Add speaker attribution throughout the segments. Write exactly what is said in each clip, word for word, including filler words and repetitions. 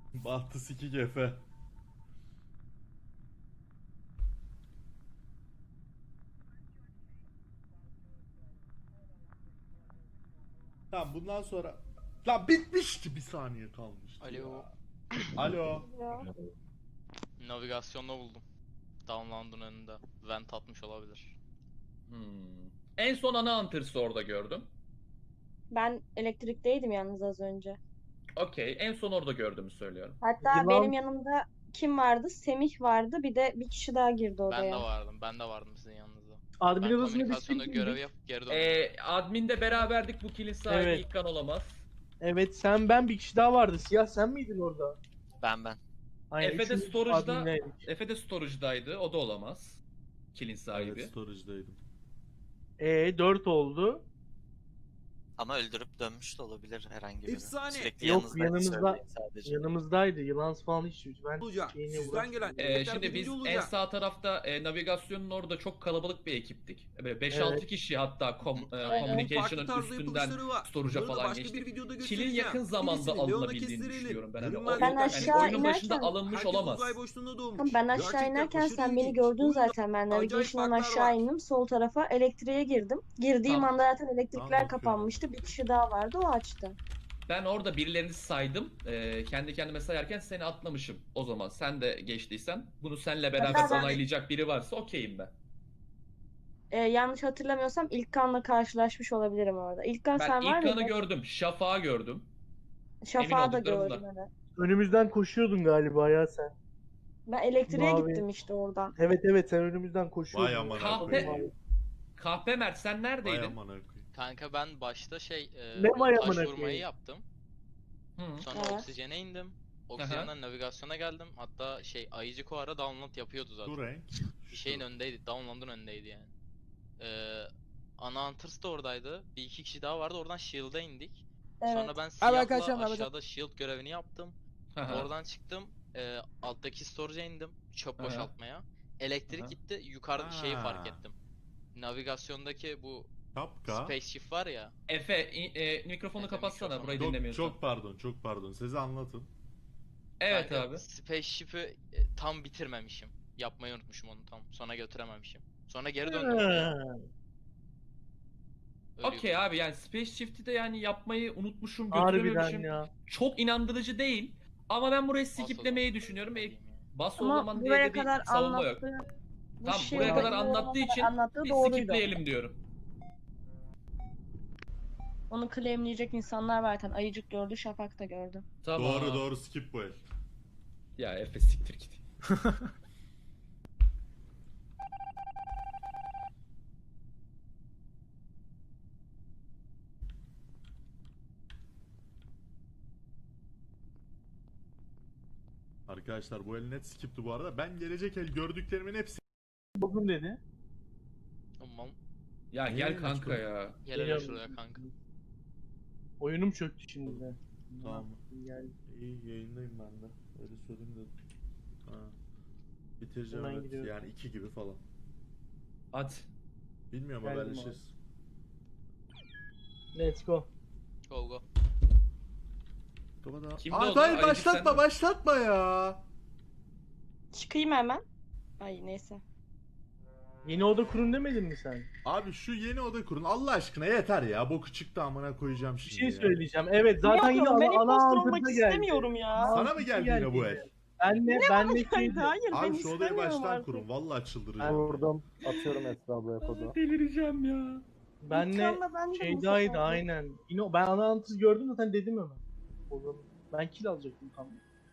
Speaker 1: Bahtı sikik Efe. Tamam bundan sonra... Lan bitmişti, bir saniye kalmıştı
Speaker 2: Alo.
Speaker 1: ya. Alo.
Speaker 3: Ya.
Speaker 2: Navigasyonda buldum. Downland'ın önünde. Vent atmış olabilir.
Speaker 4: Hmm. En son ana antırsı orada gördüm.
Speaker 3: Ben elektrikteydim yalnız az önce.
Speaker 4: Okey. En son orada gördüğümü söylüyorum.
Speaker 3: Hatta
Speaker 5: Yılan-
Speaker 3: benim yanımda kim vardı? Semih vardı. Bir de bir kişi daha girdi
Speaker 2: Ben de
Speaker 3: odaya.
Speaker 2: vardım. Ben de vardım sizin yanınızda.
Speaker 5: Admin
Speaker 2: Ben
Speaker 5: odasında biz
Speaker 2: komünikasyonda
Speaker 5: tek
Speaker 2: görev
Speaker 5: miydik?
Speaker 2: yapıp geri döndüm.
Speaker 4: Ee, adminde beraberdik. Bu kilin sahibi
Speaker 5: Evet.
Speaker 4: İlkan olamaz.
Speaker 5: Evet, sen ben bir kişi daha vardı. Siyah sen miydin orada?
Speaker 6: Ben ben.
Speaker 5: Aynen,
Speaker 4: Efe de
Speaker 5: üçümüz
Speaker 4: storage'da-
Speaker 5: adminleydik.
Speaker 4: Efe de storage'daydı. O da olamaz. Kilin sahibi.
Speaker 1: Evet, storage'daydım.
Speaker 5: Ee dört oldu.
Speaker 6: Ama öldürüp dönmüş de olabilir herhangi biri.
Speaker 7: Efsane.
Speaker 6: Sürekli
Speaker 5: Yok,
Speaker 6: yanınızda
Speaker 5: yanımızda-
Speaker 6: söyleyin sadece.
Speaker 5: Yanımızdaydı. Yılan falan hiç ben
Speaker 7: olacak.
Speaker 5: şeyine
Speaker 7: Sizden
Speaker 5: uğraşmadım.
Speaker 7: gelen
Speaker 4: Ee,
Speaker 7: emekler
Speaker 4: şimdi biz
Speaker 7: birinci
Speaker 4: en
Speaker 7: olacak.
Speaker 4: sağ tarafta e, navigasyonun orada çok kalabalık bir ekiptik. Böyle beş altı
Speaker 5: Evet.
Speaker 4: kişi hatta kom, e,
Speaker 2: Aynen.
Speaker 7: Farklı
Speaker 4: communication'ın
Speaker 7: tarzda
Speaker 4: üstünden
Speaker 7: yapılışları var.
Speaker 4: storage'a
Speaker 7: Bunları da
Speaker 4: falan
Speaker 7: başka
Speaker 4: geçtik.
Speaker 7: bir videoda
Speaker 4: Kilin
Speaker 7: göstereceğim.
Speaker 4: yakın zamanda
Speaker 7: Birisini Leon'a
Speaker 4: alınabildiğini
Speaker 7: kestirelim.
Speaker 4: düşünüyorum ben. Hani
Speaker 7: Görünmez
Speaker 4: o,
Speaker 3: Ben
Speaker 4: yani
Speaker 3: aşağı
Speaker 4: oyunun başında
Speaker 3: inerken-
Speaker 4: alınmış
Speaker 7: Herkes
Speaker 4: olamaz.
Speaker 7: uzay boşluğunda doğmuş.
Speaker 3: Tamam, ben aşağı
Speaker 7: Gerçekten
Speaker 3: inerken
Speaker 7: aşırı
Speaker 3: sen beni
Speaker 7: ilginç.
Speaker 3: gördün
Speaker 7: Oyunda
Speaker 3: zaten. Ben
Speaker 7: acayip
Speaker 3: navigation'dan
Speaker 7: farklar
Speaker 3: aşağı
Speaker 7: var.
Speaker 3: indim. Sol tarafa elektriğe girdim. Girdiğim
Speaker 4: Tamam.
Speaker 3: anda zaten elektrikler
Speaker 1: Tamam,
Speaker 3: kapanmıştı. Bir kişi daha vardı, o açtı.
Speaker 4: Ben orada birilerini saydım. Ee, kendi kendime sayarken seni atlamışım. O zaman sen de geçtiysen bunu seninle beraber
Speaker 3: Ben-
Speaker 4: onaylayacak biri varsa okeyim ben.
Speaker 3: Ee, yanlış hatırlamıyorsam İlkan'la karşılaşmış olabilirim orada. İlkan
Speaker 4: Ben
Speaker 3: sen var
Speaker 4: İlkan'ı
Speaker 3: mıydın?
Speaker 4: gördüm. Şafak'ı gördüm.
Speaker 3: Şafağı da
Speaker 4: olduklarımda.
Speaker 3: gördüm, evet.
Speaker 5: Önümüzden koşuyordun galiba ya sen.
Speaker 3: Ben elektriğe
Speaker 5: Mavi.
Speaker 3: gittim işte oradan.
Speaker 5: Evet evet, sen önümüzden koşuyordun.
Speaker 1: Vay amına
Speaker 4: Kahpe,
Speaker 1: koyayım.
Speaker 4: Kahpe Mert sen
Speaker 1: Vay
Speaker 4: neredeydin?
Speaker 1: amına koyayım.
Speaker 2: Kanka ben başta şey e,
Speaker 5: Ne
Speaker 2: bu
Speaker 5: var
Speaker 2: taş
Speaker 5: amına
Speaker 2: vurmayı
Speaker 5: koyayım?
Speaker 2: yaptım.
Speaker 4: Hı.
Speaker 2: Sonra
Speaker 3: Evet.
Speaker 2: oksijene indim. Oksijenden navigasyona geldim. Hatta şey Ayıcık o ara download yapıyordu zaten.
Speaker 1: Şu renk.
Speaker 2: Bir şeyin önündeydi. Download'un önündeydi yani. Ee, ana Hunters da oradaydı. Bir iki kişi daha vardı. Oradan Shield'a indik.
Speaker 3: Evet.
Speaker 2: Sonra ben
Speaker 7: arkadaşlar,
Speaker 2: siyahla
Speaker 7: merhaba.
Speaker 2: aşağıda Shield görevini yaptım.
Speaker 4: Aha.
Speaker 2: Oradan çıktım. E, alttaki storage'a indim. Çöp
Speaker 4: Aha.
Speaker 2: boşaltmaya. Elektrik
Speaker 4: Aha.
Speaker 2: gitti. Yukarıda şeyi
Speaker 1: Ha.
Speaker 2: fark ettim. Navigasyondaki bu
Speaker 1: Şapka.
Speaker 2: spaceship var ya.
Speaker 4: Efe i- e, mikrofonu
Speaker 2: Efe,
Speaker 4: kapatsana
Speaker 2: mikrofonu.
Speaker 4: burayı
Speaker 1: Çok,
Speaker 4: dinlemiyorsun.
Speaker 1: çok pardon, çok pardon. Size anlatın.
Speaker 4: Evet
Speaker 2: Kanka,
Speaker 4: abi.
Speaker 2: Spaceship'i e, tam bitirmemişim. Yapmayı unutmuşum onu tam. Sonra götürememişim. Sonra geri döndüm oraya.
Speaker 5: Ha.
Speaker 2: Öyle
Speaker 4: Okey
Speaker 2: yolda.
Speaker 4: abi yani Space Shift'i de yani yapmayı unutmuşum,
Speaker 5: Harbiden
Speaker 4: götürememişim.
Speaker 5: ya.
Speaker 4: Çok inandırıcı değil. Ama ben burayı
Speaker 2: Bas o
Speaker 4: skiplemeyi
Speaker 2: zaman.
Speaker 4: düşünüyorum. E,
Speaker 2: Diyeyim ya.
Speaker 4: bas o
Speaker 3: Ama
Speaker 4: zaman diye
Speaker 3: buraya
Speaker 4: de bir
Speaker 3: kadar
Speaker 4: savunma yok.
Speaker 3: anlattığı, bu
Speaker 4: Tamam
Speaker 3: şey
Speaker 4: buraya kadar
Speaker 3: olayı
Speaker 4: anlattığı
Speaker 3: kadar
Speaker 4: için
Speaker 3: anlattığı
Speaker 4: bir
Speaker 3: doğruydu.
Speaker 4: skipleyelim diyorum.
Speaker 3: Onu claimleyecek insanlar var zaten. Ayıcık gördü, Şafak da gördü.
Speaker 4: Tamam.
Speaker 1: Doğru doğru, skip bu el.
Speaker 4: Ya Efe siktir git.
Speaker 1: Arkadaşlar bu el net skipti bu arada. Ben gelecek el gördüklerimin hepsi...
Speaker 5: Bugün dedi.
Speaker 2: Tamam.
Speaker 4: Ya
Speaker 1: Niye
Speaker 4: gel
Speaker 1: yayın
Speaker 4: kanka
Speaker 1: açmadın?
Speaker 4: ya.
Speaker 2: Gel hele
Speaker 5: Geliyorum.
Speaker 2: şuraya kanka.
Speaker 5: Oyunum çöktü şimdi de.
Speaker 1: Tamam.
Speaker 5: Gel.
Speaker 1: İyi, yayındayım ben de. Öyle söyleyeyim dedim. Ha. Bitireceğim
Speaker 5: Hemen
Speaker 1: evet.
Speaker 5: gidiyorum.
Speaker 1: Yani iki gibi falan.
Speaker 4: At.
Speaker 1: Bilmiyorum,
Speaker 5: Geldim
Speaker 1: haberleşiriz.
Speaker 5: Let's go.
Speaker 2: Go go.
Speaker 1: Kapıda...
Speaker 4: Kimde
Speaker 1: Aa,
Speaker 4: oldu?
Speaker 1: hayır
Speaker 4: Ayıcık
Speaker 1: başlatma
Speaker 4: sende mi?
Speaker 1: başlatma ya.
Speaker 3: Çıkayım hemen. Ay neyse.
Speaker 5: Yeni oda kurun demedin mi sen?
Speaker 1: Abi şu yeni oda kurun Allah aşkına, yeter ya. Boku çıktı amına koyacağım
Speaker 5: Bir
Speaker 1: şimdi
Speaker 5: şey
Speaker 1: ya.
Speaker 5: söyleyeceğim. Evet zaten yine
Speaker 3: Yapıyorum, ben
Speaker 5: ana, ana
Speaker 3: impostor olmak
Speaker 5: antırda geldi.
Speaker 3: istemiyorum ya.
Speaker 1: Sana mı geldi yine bu el?
Speaker 5: Benle, benle şeydi.
Speaker 3: Hayır ben
Speaker 1: Abi şu odayı
Speaker 3: istemiyorum
Speaker 1: baştan
Speaker 3: artık.
Speaker 1: kurun. Vallahi çıldıracağım.
Speaker 8: Vurdum. Atıyorum Esra ablaya kodu.
Speaker 4: Delireceğim ya.
Speaker 5: Benle
Speaker 3: İlkan'la ben de bu
Speaker 5: şeydaydı
Speaker 3: sefer.
Speaker 5: aynen. Yine o- ben ana antız gördüm zaten dedim hemen. O zaman ben kill alacaktım tam.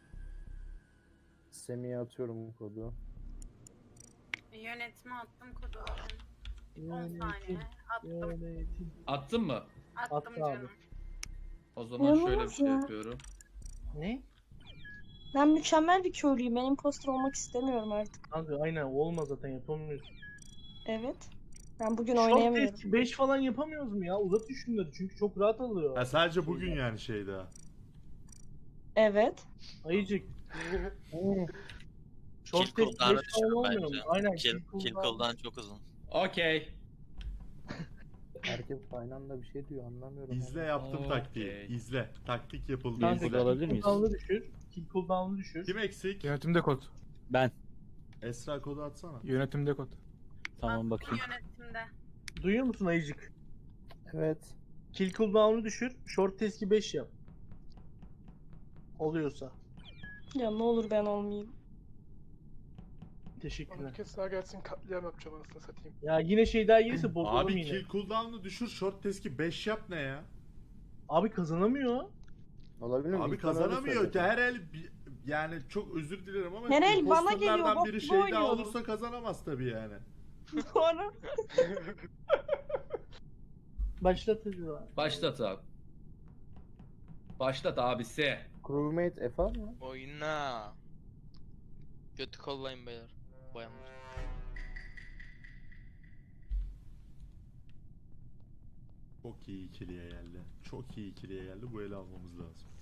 Speaker 8: Semih'e atıyorum kodu.
Speaker 9: Yönetime attım kodu. on
Speaker 5: Yönetim,
Speaker 9: saniye. Attım.
Speaker 5: yönetim.
Speaker 4: Attın mı?
Speaker 9: Attım
Speaker 5: Attı abi.
Speaker 9: canım.
Speaker 4: O zaman
Speaker 3: İnanılmaz
Speaker 4: şöyle bir şey
Speaker 3: ya.
Speaker 4: yapıyorum.
Speaker 5: Ne?
Speaker 3: Ben mükemmel bir köylüyüm. Ben impostor olmak istemiyorum artık.
Speaker 5: Kanka aynen olmaz zaten yapamıyoruz.
Speaker 3: Evet. Ben bugün
Speaker 5: Short
Speaker 3: oynayamıyorum.
Speaker 5: test beş falan yapamıyoruz mu ya? Uzat şunları çünkü çok rahat alıyor.
Speaker 1: Ha, sadece bugün yani şeyde. ha.
Speaker 3: Evet.
Speaker 5: Ayıcık.
Speaker 6: Kill
Speaker 5: Short test
Speaker 6: cooldown'ı
Speaker 5: beş falan
Speaker 6: düşün
Speaker 5: olmuyor mu?
Speaker 6: bence.
Speaker 5: Aynen
Speaker 6: Kill,
Speaker 5: kill
Speaker 6: kill
Speaker 5: cooldown.
Speaker 6: cooldown çok uzun.
Speaker 4: Okey.
Speaker 8: Herkes aynı anda bir şey diyor anlamıyorum.
Speaker 1: İzle
Speaker 8: ama.
Speaker 1: yaptım
Speaker 4: Okey.
Speaker 1: taktiği. İzle. Taktik yapıldı.
Speaker 5: Kanka
Speaker 1: İzle.
Speaker 7: alabilir
Speaker 5: kill
Speaker 7: miyiz?
Speaker 5: cooldown'u düşür. Kill cooldown'u düşür.
Speaker 1: Kim eksik?
Speaker 10: Yönetimde kod.
Speaker 7: Ben.
Speaker 1: Esra kodu atsana.
Speaker 10: Yönetimde kod.
Speaker 7: Tamam
Speaker 9: Attım
Speaker 7: bakayım.
Speaker 9: Yönetimde.
Speaker 5: Duyuyor musun Ayıcık?
Speaker 8: Evet.
Speaker 5: Kill cooldown'u düşür. Short testi beş yap. Oluyorsa.
Speaker 3: Ya ne olur ben olmayayım.
Speaker 5: Teşekkürler.
Speaker 10: Herkes daha gelsin katliam yapacağım anasını satayım.
Speaker 5: Ya yine şey daha gelirse bozalım
Speaker 1: Abi
Speaker 5: yine.
Speaker 1: kill cooldown'u düşür, short testi beş yap ne ya?
Speaker 5: Abi kazanamıyor.
Speaker 8: Olabilir mi?
Speaker 1: Abi
Speaker 8: İlkan öyle
Speaker 1: kazanamıyor ki
Speaker 8: söyledi.
Speaker 1: her el bi- yani çok özür dilerim ama
Speaker 3: Her el bana
Speaker 1: imposterlardan
Speaker 3: geliyor, bok
Speaker 1: biri
Speaker 3: gibi
Speaker 1: şeyde
Speaker 3: oynuyorum.
Speaker 1: olursa kazanamaz tabii yani.
Speaker 3: Sonra
Speaker 5: Başlat hadi lan.
Speaker 4: Başlat abi. Başlat abisi.
Speaker 8: Crewmate F A mı?
Speaker 2: Oyna. Götü kollayın beyler. Bayanlar.
Speaker 1: Çok iyi ikiliye geldi. Çok iyi ikiliye geldi. Bu eli almamız lazım.